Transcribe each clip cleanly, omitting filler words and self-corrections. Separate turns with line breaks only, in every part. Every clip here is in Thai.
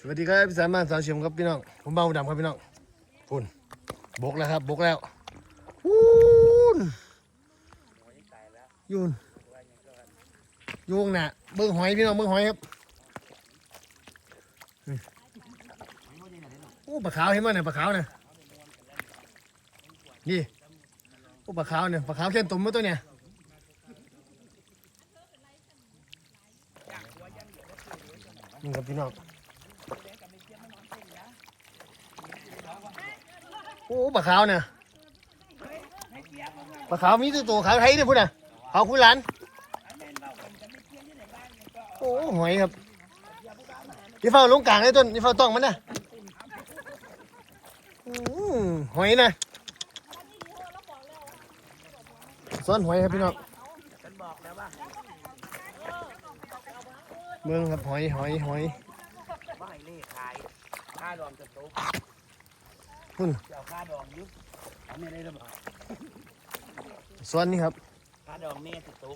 สวัสดีครับพี่สามบ้านสาวเฉียมครับพี่น้องผมเบาดำครับพี่น้องพุ่นบกแล้วครับบกแล้วพุ่นยูนยูงน่ะเบิ้งหอยพี่น้องเบิ้งหอยครับโอ้ปลาขาวเห็นไหมเนี่ยปลาขาวเนี่ยนี่โอ้ปลาขาวเนี่ยปลาขาวแค่ตุ่มมาตัวเนี่ยนี่ครับพี่น้องโอ้ปลาขาวเนี่ยปลาขาวมีตัวขาวไทยเนี่ยพุ่นน่ะขาวคุยหลานโอ้หอยครับยี่เฝ้าลงกลางเลยต้นยี่เฝ้าต้องมันนะหอยนะซ้อนหอยครับพี่น้องเมืองครับหอยว่าให้เล่ขายค่าดองจะโตคุณเจ้าค่าดองยุบเอาไม่ได้หรือเปล่าซ้อนนี่ครับค่าดองแม่จะโต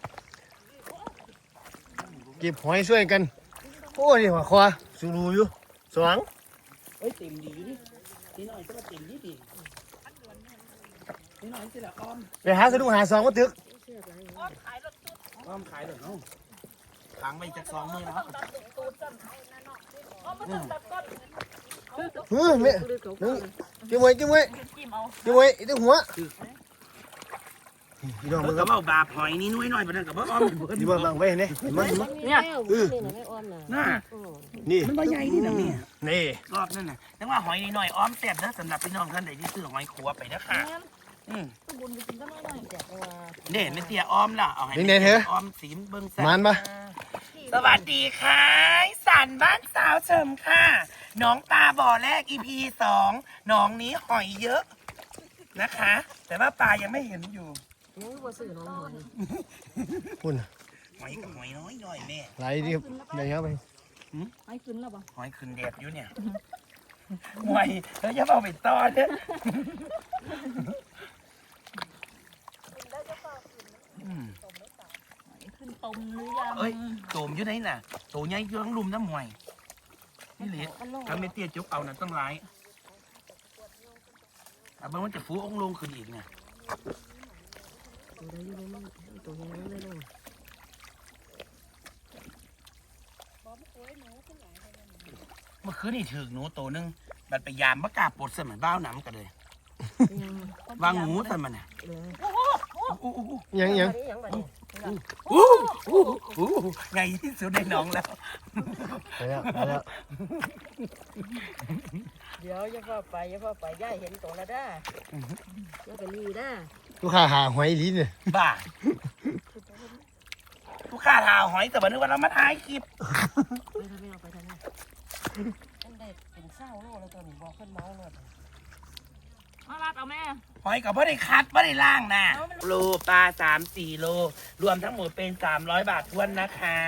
เก็บหอยช่วยกันโอ้นี่หัวคอสูรูอยู่สว่าง
เฮ้ยเต็มดีอยู่ดิทีหน่อยก็มาเต็มดีดิทีหน่อยสิละอ้อม
ไปหาสะดุ้งหาซองก็ตึก
อ้อมขายเลยน้องขังไปจาก2 มื้อนะครับ
แม่จิ้มไว้ตัวหัวพี่น้องมึง
ก็เอาบาหอยนี่น้อยๆไปนั่นกับว่าอ้อม
นี่ว่าบางไว้เนี่ย
เนี่ยน่านี่มันใหญ่นี่นะเนี่ย
นี่
รอบนั่นน่ะแต่ว่าหอยนี่น้อยอ้อมแซ่บนะสำหรับพี่น้องท่านใดที่ซื้อหอยขัวไปนะค่ะเนี่ยไม่เตี้ยอ้อมล่ะเอาให้อ้อมสีเบิ้งสันสวัสดีค่ะสันบ้านสาวเฉิมค่ะน้องปลาบ่อแรก EP 2น้องนี้หอยเยอะนะคะแต่ว่าปลายังไม่เห็นอยู่
คุณ
หอยกับหอยน้อยแม่
ไหลดิครับไหลครับไป
หอยขึ้นแล้วป่ะ
หอยขึ้นแดดอยู่เนี่ยหอยแล้วจะเอาไปตอนเนี่ย
ขึ้นต้มหรือยัง
เอ้ยโจมอยู่ไหนน่ะโตใหญ่เยอะลุมน้ำหอยนี่เหลือถ้าไม่เตี้ยจุกเอาน่ะต้องร้ายแต่บางวันจะฟูองลงขึ้นอีกเนี่ยเมื่อคืนนี่ถือหนูโตนึงบัดไปยามมะกาปวดเสมือนบ้าวหนำกันเลยวางงูใส่มันน่ะ
ยัง
ไงที่สุดในน้องแล้ว
เดี๋ยวอย่าพ่อไปย่าเห็นตัวละด้าย่าไปรีด้า
ลูกค้าหาหอยลิ้นเนี่ย
บ้าลูกค้าหาหอยแต่วันนึกว่าเรามาถ่ายคลิป
ไปทำไมอันเด็ดเป็นเศร้าโลแล้วตัวหนูบอกขึ้นเมาเลยมาลัดเอาแม่
หอยกับไม่ได้คัดไม่ได้ล่างนะโลปลา3-4 โลรวมทั้งหมดเป็น300 บาททวนนะคะ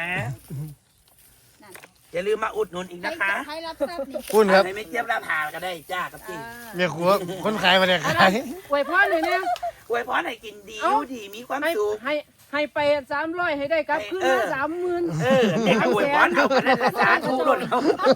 อย่าลืมมาอุดหนุนอีกนะคะ
คุณครับ
ไม่เทียบราคาก็ได้จ้ากับจริง
เมียขัวคนขายมาเนี่ยขาย
อวยพรเลยเนี่ย
อวยพรให้กินดีดีมีความสุข
ให้ไป300ให้ได้ครับคือ30,000
เด็กอวยพรเอากันได้สาธุหล่นเอา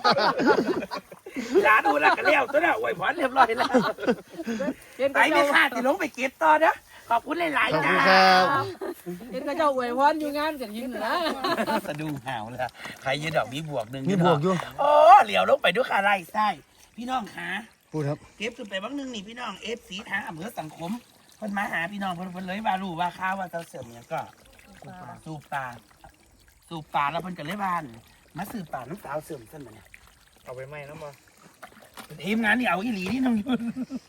สาธุแล้วก็เลี้ยวตัวน่ะอวยพรเรียบร้อยแล้วไปไม่ขาดที่ลงไปเก็บต่อนะขอบคุณหลายๆจ้า
เห็นก็เจ้าอวยพรอยู่งานกันยินนะ
สะดุ้งห่าวเลยใครยืนดอกมีบวกหนึ่ง
มีบวกอยู่
โอ้เหลียวลงไปด้วยขาไล่ไส้พี่น้องขา
พูดครับ
เก็บขึ้นไปบ้างนึงนี่พี่น้องเอฟสีทางอำเภอสังคมเพิ่นมาหาพี่น้องเพิ่นเลยว่ารู้ว่าข้าวว่าเจ้าเสริมเนี่ยก็สูบปลาแล้วเพิ่นก็เลยบ้านมาสืบปลาน้ำสาวเสริมเส้นมาเนี่ย
เอาไปไหมน้ำมา
ทีมงานนี่เอาอีหลีนี่น้องยุ่น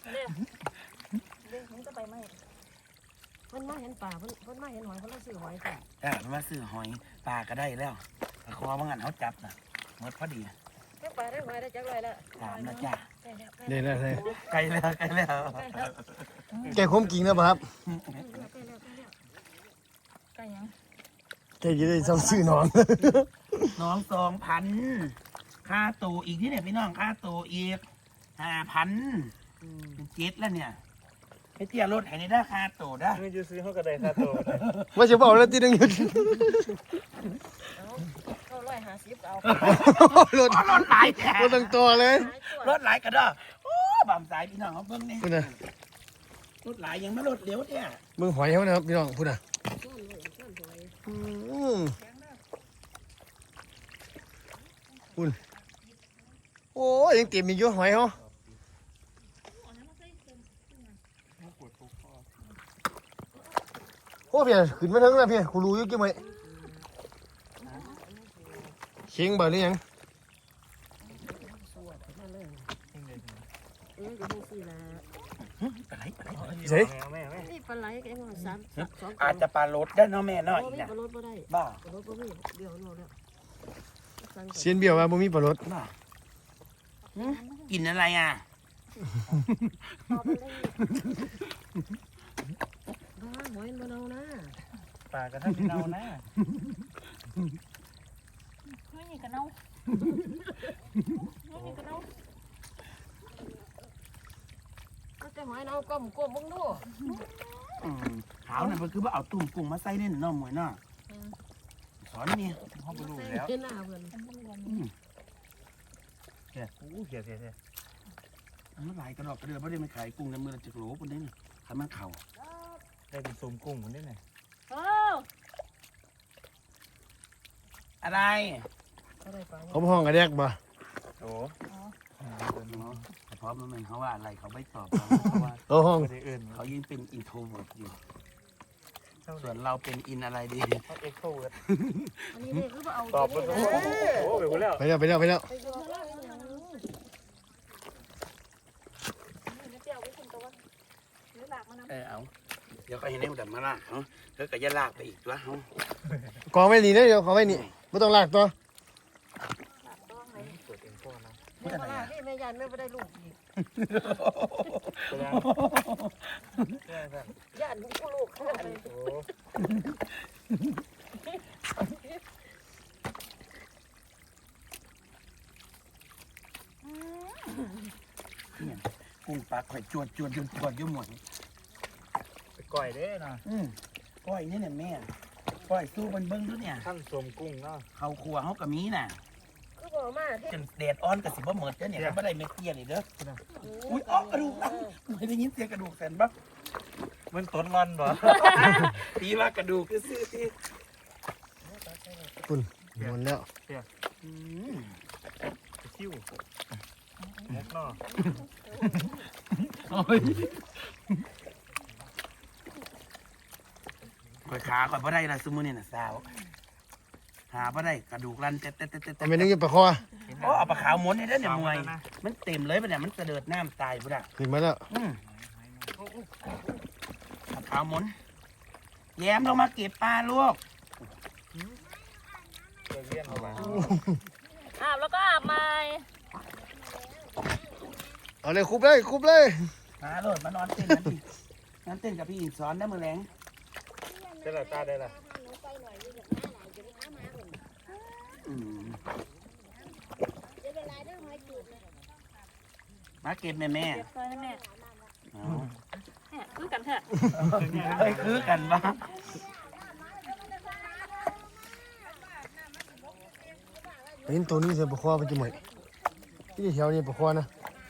มันจะไปไหมเพิ่นมาเห็นปลาเพิ่นมาเห็นหอยเพิ่นมาซื้อหอยก่อน
มันมาซื้อหอยปลาก็ได้แล้วคอว่างั้นเขาจับน่ะหมดพอดี
ปลาได้หอยได้จักไรแล้ว
3นะจ้า
เดี๋ยวเลย
ไกลแล้ว
แกคมกิ่งนะครับ
ไก่ยัง
แกจะได้เศร้าซื้อน้
อง2,000ค่าตูอีกที่เนี่ยพี่น้องค่าตูอีก5,000เป็น7แล้วเนี่ยไอ้เตี้ยรถแห่งนี้ได้ค่าตูได้
ไม่จะซื้อเขาก็ได้ค่าตูว่าจะบอกแล้วที่นึงอยู่
เขาไล่ 250เอา
รถ
รถหลายแท้
รถตั้งตัวเลย
รถหลายกระดอโอ้บำสายพี่น้องเขาเบิ่งนี่
พูดนะ
รถหลายยังไม่รถเลี้ยวเนี่ย
มึงหอยเขานะครับพี่น้องพูดนะคุณโอ้ยยังเต็มอีกอยู่หอยเขาโอ้เพี่ขึ้นมาถึงแล้วพี่กูรู้อยู่กี่ไหมเชียงบ่หรือยัง
ก็บ่ซื้อละ
ปลาไหล
เจ๊
นี่ปลาไหลก็ยังว่า3 2
อาจจะปลารถได้เนาะแม่เนาะอีก
บ่
นะ
ปลารถบ่ได้
บ้า
ปลารถบ่มีเดี๋ยวโน่แล้ว
เซียนเบี้ยวว่าบ่มีปลารส
บ้ากินอะไรอ่ะ
หอยมันเอานะ
ปลากระทั่งเน่านะ
ไม่มีกระเน่าไม่มีกระเน่า
ก็จะหอยเอาก้มมึงดู
ขาวนั่นมันคือว่าเอาตุ่มกุ้งมาใส่ในน้ำหมวยเนาะสอนนี่
ห้องบลูแล้ว
เห็นหน้าเพิ่น
เฮียโอ้เฮีย
มันหลายกระดอกกระเดือไม่ได้มาขายกุ้งในมือจะโหลคนนี้ทำมันเข่า
ได้เป็นซุมกุ้งคนนี้ไง
โอ้
อะไร
ก็ได้ปลา
เขาห้องกระแดกบ่
โอ้
พร้อมแล้วมันเขาว่าอะไรเขาไม่ตอบ
เขาห้อง
ไม่ได้เอื่น
เขายิ่งเป็นอินโทรเวิร์ดอยู่ส่วนเราเป็นอินอะไรดี
เขาเอ็กโทรเวิร์ด
อันนี้นี่คือว่าเอา
ตอบไปโอ้ไปแล้ว
ไปแล้วไปแล้วไปแล้ว
ไปดูแล้วอีหยัง
ไม่เปรี้ยวไม่กินตัวหรือหลากมันน้ำ
เอาเดี๋ยวก็เห็นได้มันมาลากเขาแล้วก็จะลากไปอีกแล้วเขา
กองไว้นี่นะเดี๋ยวกองไว้นี่ไม่ต้องลากตัว
หลากต้องเลย
เปิดเอ็นโฟนะ
แม่ว่านี่แม่ยันแม่บ่ได้ลูกอีก
แสดงแค่นั้น
ยันกูลูกขนาดนี้
โอ้
กุ้งปลาข่อยจวดยุ่หมด
ไปก่อยเด้นะ
ก้อยนี่เนี่ยแม่ก้อยสู้มันเบิ้งด้วยเนี่ย
ขั้นสมกุ้งเนาะ
เขาครัวเขากับมีน่ะ
คือบ่มาที่
จนแดดอ่อนกับสิบ่เหมิดเด้อเนี่ยไม่ได้เม็ดเตี้ยนี่เด้ออุ้ยอ๋อกระดูกไม่ได้ยินเสียงกระดูกแสนบัก
มันต้นมันบ่
ตีว่ากระดูกคือซื้อที่
คุณหมดแล้ว
คิ้วมุกเนาะ
ข่อยขาข่อยบ่ได้ละซุมื้อนี่น่ะสาวหาบ่ได้กระดูกรันเต็ด
เอาไปนึกอยู่ปลาคอ
โอ้เอาปลาขาวม้วนนี่เด้อเนี่ยมวยมันเต็มเลยปะเนี่ยมันกระเดิดน้ำตายพุ่นน่ะ
ขึ้นมาแล้ว
ปลาขาวม้วนแย้มลงมาเก็บปลาลูก
เลี้ยนออกมา
อาบแล้วก็อาบใหม่
เอาเลยคุบเลยคุบเลย
มาโลดมานอนเต้นนั่นดินั่นเต้นกับพี่อินสอนได้มื้อแลง
ได้ละตาได้ละ
มาเก็บแม่
เก็บเลยนะแม่เนี่ยคือกันเถอะ
เฮ้ยคือกันบ้า
เห็นตัวนี้เสียปลาคอไปจะหมดที่แถวนี้ปลาคอนะ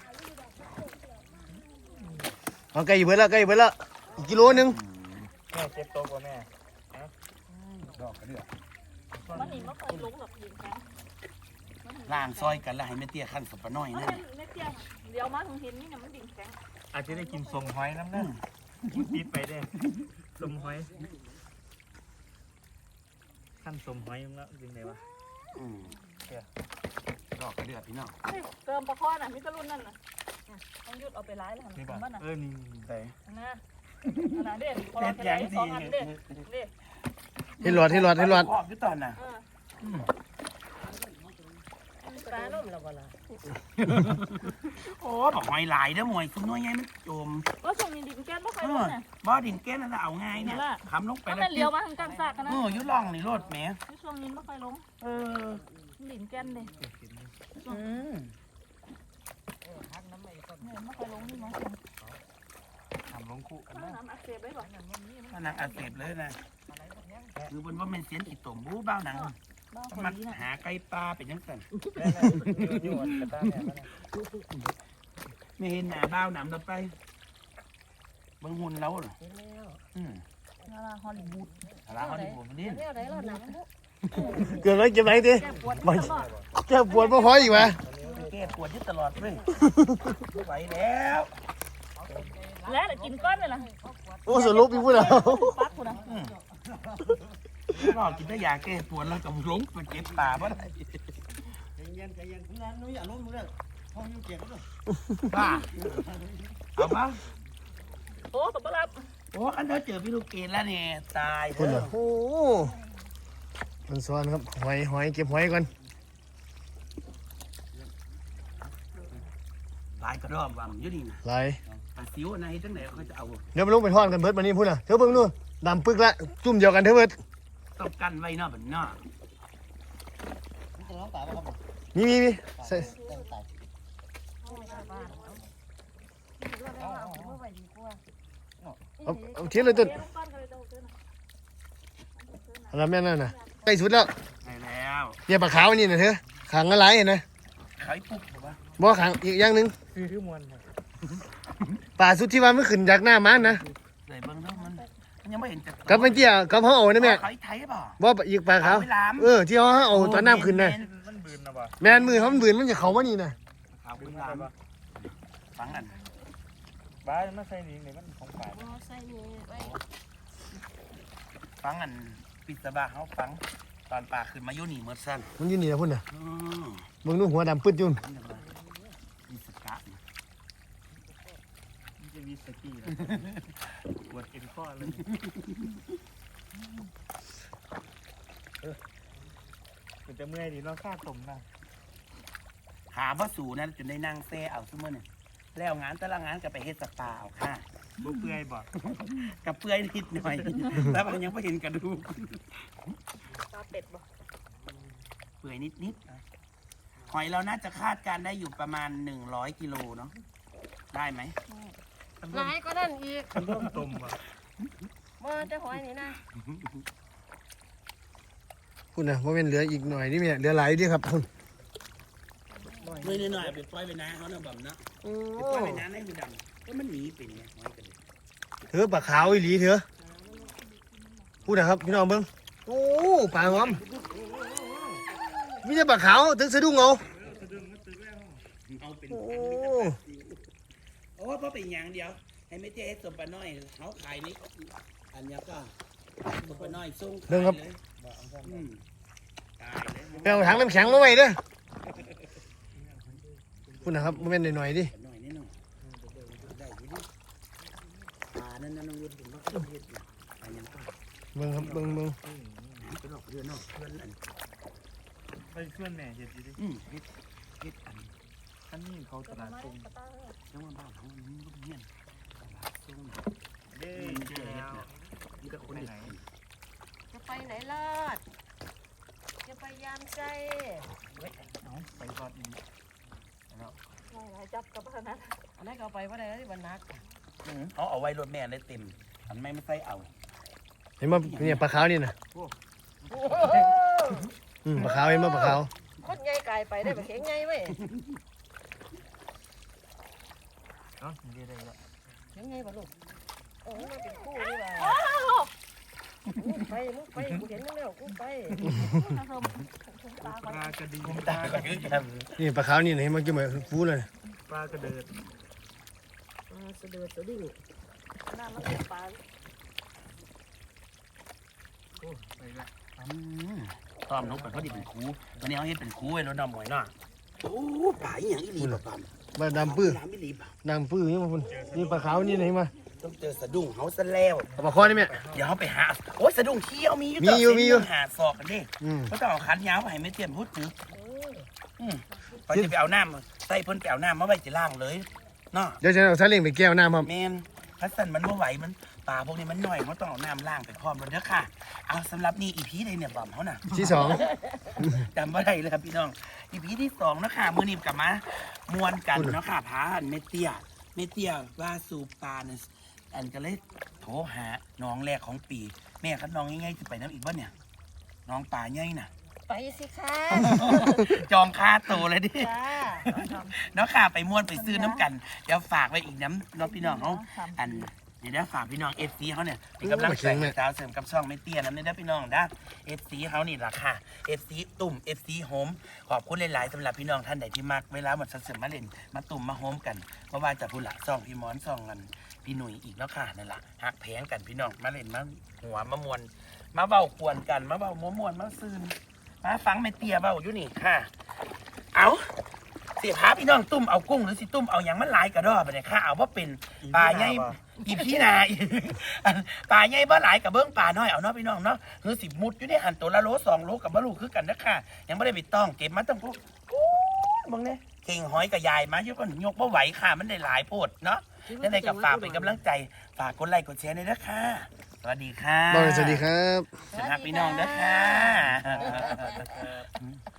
เอาไก่เบิดละไก่เบิดละอีกกิโลนึง
แม่เจ็บโตกว่าแม่
ดอกกระเดือก
มันหนีมาเคยลงหรอกดินแข็ง
ล่างซอยกันแล้วให้แม่เตี้ยขั้นสับปะน้อย
มัน
นั่น
เป็นเม็ดเตี้ยเดี๋ยวมาถึงเห็นนี่เนี่ยมันดินแข็ง
อาจจะได้กินทรงหอยน้ำนั่นปิดไปได้สมหอยขั้นสมหอยแล้วจริงไหนวะ
ดอกกระเดือกพี่น้อง
เติมปลาคอน่ะมีกระรุ่นนั่นน่ะต้องยุดเอาไปร้ายแล้ว
นี่
นะ
บ่
มันน่ะ
นี่
ใส่
นะขนาดเด่นพอ
เด็
เรา
ด
จะ
ยั
ได้
ง
ส
ดี
องอันเด่นเด่น
ให้หลอดให้หลอดให้หลอด
ขอบอยู่ตอนน่ะ
ปลาล่มแล้วบ่ล่ะ
โอ้บอกหอยหลายเด้อมวยซุ่มน้อยใหญ่มันจม
ก็ส่งดินแก้มไม่เคยลงเนี่ย
บ่ดินแก้นั่นเอาง่ายเนี่ยทำลงไป
มัน
แล้ว
เป็นเลี้ยวมาทางกลางซากกันนะ
ยุล่องนี่รถแหม
ช่วงนี้ไม่เคยลงดินแก้มเลยเนี่ยไม่เคยลงนี่มั้ง
ทำลงคู่กันนะ
น้ำอักเสบได้ป่ะ
มันนังอักเสบเลยนะคือบนว่าเป็นเสียนขีดตุ่มบู้บ้าหนัง
บ้าคน
มัน
นี้น่ะ
หาไก่ปลาเป็นยังไง
อยู่กระต้าแม่มา
ไม่เห็นหน้าบ้าวหนำเราไปเบิ่งหุ่นเราเหรอ
เห็นแล้ว
นาราฮอลลีวูด
อะไรเขาที่ผมนี่
เดี๋ยวไหนเราหนังบุ๊ก
เกิดอะไรเก็บไหนดิ
แก้ปวดตลอด
แก้ปวดบ่พออีกวะ
แก้ปวดยึดตลอดเลยไม่ไหวแล้ว
แล้วเดี๋ยวกินก้อนเลยล่ะ
โอ้สรุปพี่พูดแล้ว
ปักคุณนะ
ก็กินได้ยาแก้ปวดแล้วก็หลงไปเก็บป่าเพราะอะไรบ้าเอาปะ
โอ้ตบรับ
โอ้อันเธอเจอพี่ลูกเกดแล้วเนี่ยตายเถ
คุณเหรอ
อะ
โอ้มันซ้อนครับหอยเก็บหอยก่อน
ลายกระรอกว่ะมันอยู่นี่นะ
ไหลาย
ปลาซิวนะให้จังไหนเขาจะเอา
เดี๋ยวมาลงไปทอดกันเบิดมานี่พูดน่ะเธอเบิ่งนู่นดำปึกละจุ่มเดียวกันเธอเบิด
ต้องกันไว้เนอกแบบนอก
มีใส่ เอาเทียนเลยต้นอะไรแม่นั่นน่ะใกล้สุดแล้ว
ใช่แล้ว
เนี่ยปลาขาวนี่นะเธอขังอะไรเห็นนะ
ไข่ปุ๊บบอกว่า
บ่ขังอีกอย่างหนึง
คือมวน
ปลาสุดที่ว่ามันขึ้นจากหน้ามันนะ
เลยเบิ่งแล้วมันยังไม่เห็นจะ
กับมันเตี้ยกับเขาเอานะแม่
ไข่ไทยเปล่า
บ่อีกปลาขาว
เอาไปล้าง
ที่เขาเอาตอนน้ำขึ้นน่ะ
มันบืนนะบ่
แม่นมือเขามันบืนมันจะเข้ามานี่น่ะ
ขาว
บื
เป็น
น
ล้าง
บ่
ฟังกัน
บ้ามาใส่นี่มันของป่า
ใส่นี่ไว้
ฟังกันปิดสบาเขาฟังตอนป่าขึ้นมาอยู่นี่เมื่อสั้น
มันอยู่นี่นะพุ่นน่ะ
อืม
เบิ่งนู่นหัวดำปึ๊ดอยุ่น
นี่อะไรมีสกัดนะ
มันจะมีสกี้แล้วปวดเอ็นข้อเลยมันจะเมื่อยดีเนาะค่าตมนะ
หาว่าสู่นั้นจนได้นั่งแซ่เอาซุมื่อเนี่ยแล้วงานแต่ละงานก็ไปเฮ็ดสปาเอาค่ะ
บ่เปื่อยบ่
กับเปื่อยนิดหน่อย แล้วมันยังไม่เห็นกระดูก
ตาเป็ดบ่
เปื่อยนิดๆหอยเราน่าจะคาดการณ์ได้อยู่ประมาณ100กิโลเนาะได้ไหม
หลายก็นั่นอีก
มันร่วมตมบ่
มาจะหอยนี่นะ
พุ่นน่ะว่าเป็นเหลืออีกหน่อยนี่แม่เหลือหลายอยู่เดิครับพุ่น
ไม่หน่อยๆไปปล่อยไปน้าเขาเนาะบ่มเนาะไปปล่อยไปน้าให้มันดำก็มันหนีเป็นไงหอยกัน
เธอปลาขาวอีหลีเถอะพูดนะครับพี่น้องเบิ้งโอ้ปลาหอมมีแต่ปลาขาวถึงสะดุ้งเอา
เอาเป็น
โอ้
โอ้เพราะเป็นอย่างเดียว ให้ไม่เจ๊สมปะน้อยเขาขายนี่อันเนี้ยก็สมปะน้อยส่งขายเลยอืมตายเลย
ไปเอาถังน้ำแข็งมาไว้เด้อพูดนะครับมันเป็นหน่อยๆดิ
หน่อยนิดหน่อยได้อยินดิปลานั่นน้องรุ่นเป็นว่าเขาเฮ็ดอยู่อันยังก็
เบิ้งครับเบิ้ง
เป็นออกเรือนอกเรือนอัน
ไปส่วนแม่เฮ็ดอยู่ดิ
เฮ็ดอัน
ท่านนี่เขาตลาดตรง
จังหวัดบ้านเขามันก็เงี้ยนตลาดส่ง
เด้
มัน
เจ
เจอ
อ
เฮ็ด
แล้ว
เนี่ยมันก็คนเด็ด
จะไปไหนลอดจะไปยามใจ
เอาไปทอดนี่
หลายจับกับขนาด
อันนั้นก็เอาไปว่าได้ที่บรรนัก
เขาเอาไว้รถแม่ได้เต็มอันไม่ใส่เอา
เห็นมั้เนี่ยปลาขาวนี่นะปลาขาวเห็นมั้ปลาขาว
คนใหญ่ไก่ไปได้แบบเข็งใหญ่เว้ย
เนาะนี่ได้แล้ว
เข็งใหญ่ป่ะลูกโอ้มันเป็นคู่นี่ว่ะมุกไปกูเห็นมึงแล้วกูไป
ถ้าเธอถุงตา
ป
ไป
ลากระดิ่ง
ตาก็คือกัน
นี่ปลาขาวนี่เห็นมั้กินเหมือนฟูเลย
ปลากระเดิด
สะเดือดสะดิ้ง
หน้ามันเป็นปลา
โอ้ไปละ
ตอมนกไปเขาดิเป็นครูวันนี้เขาเฮ็ดเป็นครูไว้รถน้ำหมวยเนาะโอ้ป่าอหย่างอีหลีแบบปั๊ม
ปลาดำปื้อ
น้ำอีหลีป่ะ
ดำปื้อนี่มาพุ่นนี่ปลาขาวนี่เห็นมั้
ต้องเจอสะดุ้งเขาซะแล้ว
เอาปลาคอนี่แม่
เดี๋ยวเขาไปหาโอ้ยสะดุ้งเที่ยวมีอยู่
มีอยู่
ต่
มีอยู่
หาศอกกันดิ
อืม
เขาต้องเอาคันยาวไปให้ไม่เตรียมพูดถึงพอจะไปเอาน้ำใส่เพิ่นไปเอาน้ำมาไว้จะล่างเลยเนาะ
เดี๋ยวฉันเอาซาเล้งไปแก้วน้ำครับ
แมนพัสสันมันไม่ไหวมันป่าพวกนี้มันหน่อยเขาต้องเอาน้ำล่างไปพร้อมแล้วเด้อค่ะ เอาสำหรับนี่อีพีใดเนี่ยบอมเขาน่ะ
ที่สอง
จำไม่ได้เลยครับพี่น้องอีพีที่2นะค่ะมือนีบกลับมามวนกันเนาะค่ะพาหันเมเตียว่าสูบปลาเนี่ยอันก็เลยโทรหาน้องแรกของปีแม่ครับน้องง่ายๆจะไปน้ำอีกบ้านเนี่ยน้องป่าใหญ่น่ะ
ไปสิค่ะ
จองค่าตัวเลยดิ
จ้า
เนาะค่ะไปม่วนไปซื้อน้ำกันเดี๋ยวฝากไว้อีกน้ำน้องพี่น้องเขาอันเดี๋ยวฝากพี่น้องFCเขาเนี่ยเป็นกำลังใจให้สาวเสริมกับช่องไม่เตี้ยน้ำเนี่ยนะพี่น้องนะ FCเขานี่ล่ะค่ะ FC ตุ่ม FC โฮมขอบคุณหลายๆสำหรับพี่น้องท่านใดที่มักเวลาหมดเสริมมาเล่นมาตุ่มมาโฮมกันเพราะว่าจะพูดละซ่องพี่มอนซ่องกันพี่หนุ่ยอีกแล้วค่ะนั่นแหละหักแพงกันพี่น้องมาเล่นมาหัวมามวนมาเบ้าควนกันมาเบ้าม้วนมาซื่นมาฟังไม่เตี้ยเบ้าอยู่นี่ค่ะ เอาเสียพาพี่น้องตุ้มเอากุ้งหรือสิตุ้มเอาอย่างมันหลายกระดอไปเนี่ยค่ะเอาว่าเป็นปลาใหญ่อีพี่นาปลาใหญ่บ่หลายกับเบิ้งปลาน้อยเอาเนาะพี่น้องเนาะคือสิมุดอยู่ในหันตัวละโล2 โลกับบ่ลูคือกันนะค่ะยังไม่ได้ไปต้องเก็บมาตั้งพวกมึงเนี่ยเก่งหอยกับยายมาเยอะก็ยกบ่ไหวค่ะมันได้หลายโพดเนาะนั่นเลยกับฝากเป็นกำลังใจฝากกดไลค์กดแชร์ด้วยนะค่ะสวัสดีค่ะ
บอยสวัสดีครับ
สวัสดีครับพี่น้องนะค่ะ